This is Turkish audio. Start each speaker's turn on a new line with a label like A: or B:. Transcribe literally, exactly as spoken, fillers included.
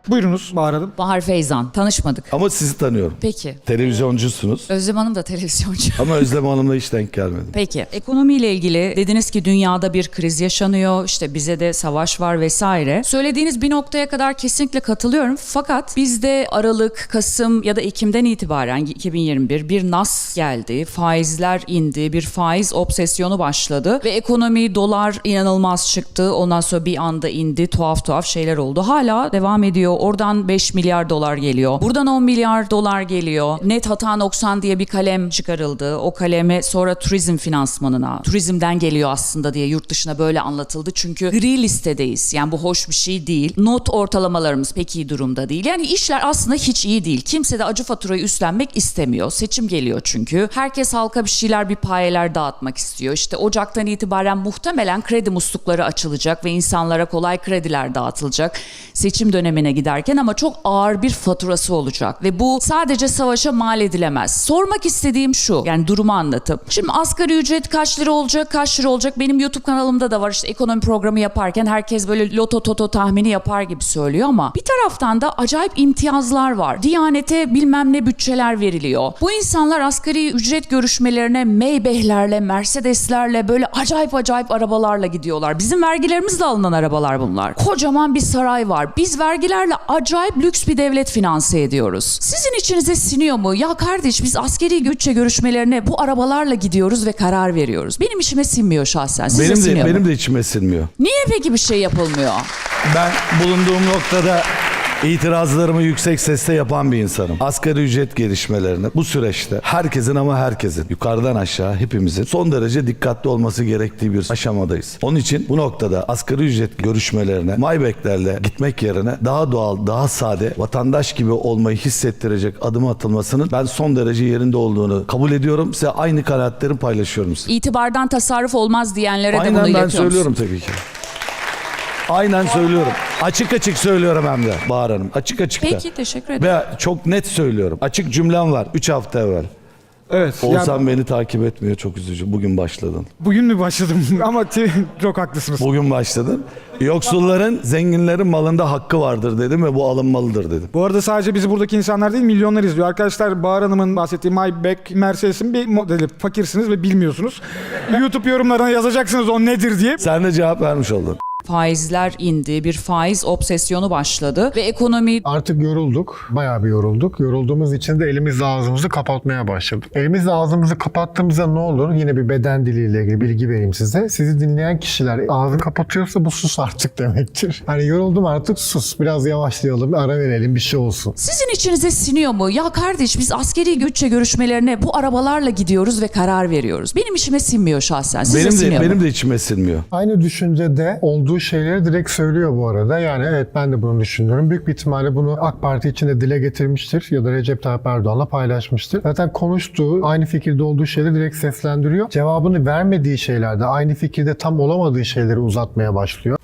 A: Buyurunuz Bahar Hanım.
B: Bahar Feyzan. Tanışmadık.
C: Ama sizi tanıyorum.
B: Peki.
C: Televizyoncusunuz.
B: Özlem Hanım da televizyoncu.
C: Ama Özlem Hanım'la hiç denk gelmedim.
B: Peki. Ekonomiyle ilgili dediniz ki dünyada bir kriz yaşanıyor. İşte bize de savaş var vesaire. Söylediğiniz bir noktaya kadar kesinlikle katılıyorum. Fakat bizde Aralık, Kasım ya da Ekim'den itibaren iki bin yirmi bir bir nas geldi. Faizler indi. Bir faiz obsesyonu başladı. Ve ekonomi, dolar inanılmaz çıktı. Ondan sonra bir anda indi. Tuhaf tuhaf şeyler oldu. Hala devam ediyor. Oradan beş milyar dolar geliyor. Buradan on milyar dolar geliyor. Net hata noksan diye bir kalem çıkarıldı. O kaleme sonra turizm finansmanına, turizmden geliyor aslında diye yurt dışına böyle anlatıldı. Çünkü gri listedeyiz. Yani bu hoş bir şey değil. Not ortalamalarımız pek iyi durumda değil. Yani işler aslında hiç iyi değil. Kimse de acı faturayı üstlenmek istemiyor. Seçim geliyor çünkü. Herkes halka bir şeyler, bir payeler dağıtmak istiyor. İşte Ocak'tan itibaren muhtemelen kredi muslukları açılacak ve insanlara kolay krediler dağıtılacak. Seçim dönemine giderken ama çok ağır bir faturası olacak ve bu sadece savaşa mal edilemez. Sormak istediğim şu, yani durumu anlatıp. Şimdi asgari ücret kaç lira olacak, kaç lira olacak? Benim YouTube kanalımda da var, işte ekonomi programı yaparken herkes böyle loto toto tahmini yapar gibi söylüyor ama bir taraftan da acayip imtiyazlar var. Diyanete bilmem ne bütçeler veriliyor. Bu insanlar asgari ücret görüşmelerine Maybach'lerle, Mercedes'lerle böyle acayip acayip arabalarla gidiyorlar. Bizim vergilerimizle alınan arabalar bunlar. Kocaman bir saray var. Biz vergilerle acayip lüks bir devlet finanse ediyoruz. Sizin içinize siniyor mu? Ya kardeş, biz askeri bütçe görüşmelerine bu arabalarla gidiyoruz ve karar veriyoruz. Benim içime sinmiyor şahsen. Size
C: Benim de,
B: siniyor mu?
C: benim de içime sinmiyor.
B: Niye peki bir şey yapılmıyor?
C: Ben bulunduğum noktada itirazlarımı yüksek sesle yapan bir insanım. Asgari ücret gelişmelerine bu süreçte herkesin ama herkesin yukarıdan aşağı hepimizin son derece dikkatli olması gerektiği bir aşamadayız. Onun için bu noktada asgari ücret görüşmelerine Maybach'lerle gitmek yerine daha doğal, daha sade, vatandaş gibi olmayı hissettirecek adım atılmasının ben son derece yerinde olduğunu kabul ediyorum. Size aynı kanaatlerimi paylaşıyorum size.
B: İtibardan tasarruf olmaz diyenlere de bunu
C: Aynen ben
B: iletiyor musun?
C: söylüyorum tabii ki. Aynen söylüyorum. Açık açık söylüyorum hem de Bahar Hanım. Açık açık da.
B: Peki, teşekkür ederim.
C: Ve çok net söylüyorum. Açık cümlem var. üç hafta evvel.
A: Evet.
C: Oğuzhan
A: yani
C: beni takip etmiyor. Çok üzücü. Bugün başladın.
A: bugün mü başladım? Ama te- çok haklısınız.
C: Bugün başladın. Yoksulların, zenginlerin malında hakkı vardır dedim ve bu alınmalıdır dedim.
A: Bu arada sadece bizi buradaki insanlar değil, milyonlar izliyor. Arkadaşlar, Bahar Hanım'ın bahsettiği Maybach, Mercedes'in bir modeli. Fakirsiniz ve bilmiyorsunuz. YouTube yorumlarına yazacaksınız o nedir diye.
C: Sen de cevap vermiş oldun.
B: Faizler indi, bir faiz obsesyonu başladı ve ekonomi...
D: Artık yorulduk. Bayağı bir yorulduk. Yorulduğumuz için de elimizle ağzımızı kapatmaya başladık. Elimizle ağzımızı kapattığımızda ne olur? Yine bir beden diliyle ilgili bilgi vereyim size. Sizi dinleyen kişiler ağzını kapatıyorsa bu sus artık demektir. Hani yoruldum artık, sus. Biraz yavaşlayalım, bir ara verelim, bir şey olsun.
B: Sizin içinize siniyor mu? Ya kardeş, biz askeri bütçe görüşmelerine bu arabalarla gidiyoruz ve karar veriyoruz. Benim içime sinmiyor şahsen. Size
C: Benim
B: siniyor
C: de,
B: mu?
C: benim de içime sinmiyor.
D: Aynı düşüncede olduğu şeyleri direkt söylüyor bu arada. Yani evet, ben de bunu düşünüyorum. Büyük bir ihtimalle bunu AK Parti içinde dile getirmiştir ya da Recep Tayyip Erdoğan'la paylaşmıştır. Zaten konuştuğu, aynı fikirde olduğu şeyleri direkt seslendiriyor. Cevabını vermediği şeylerde, aynı fikirde tam olamadığı şeyleri uzatmaya başlıyor.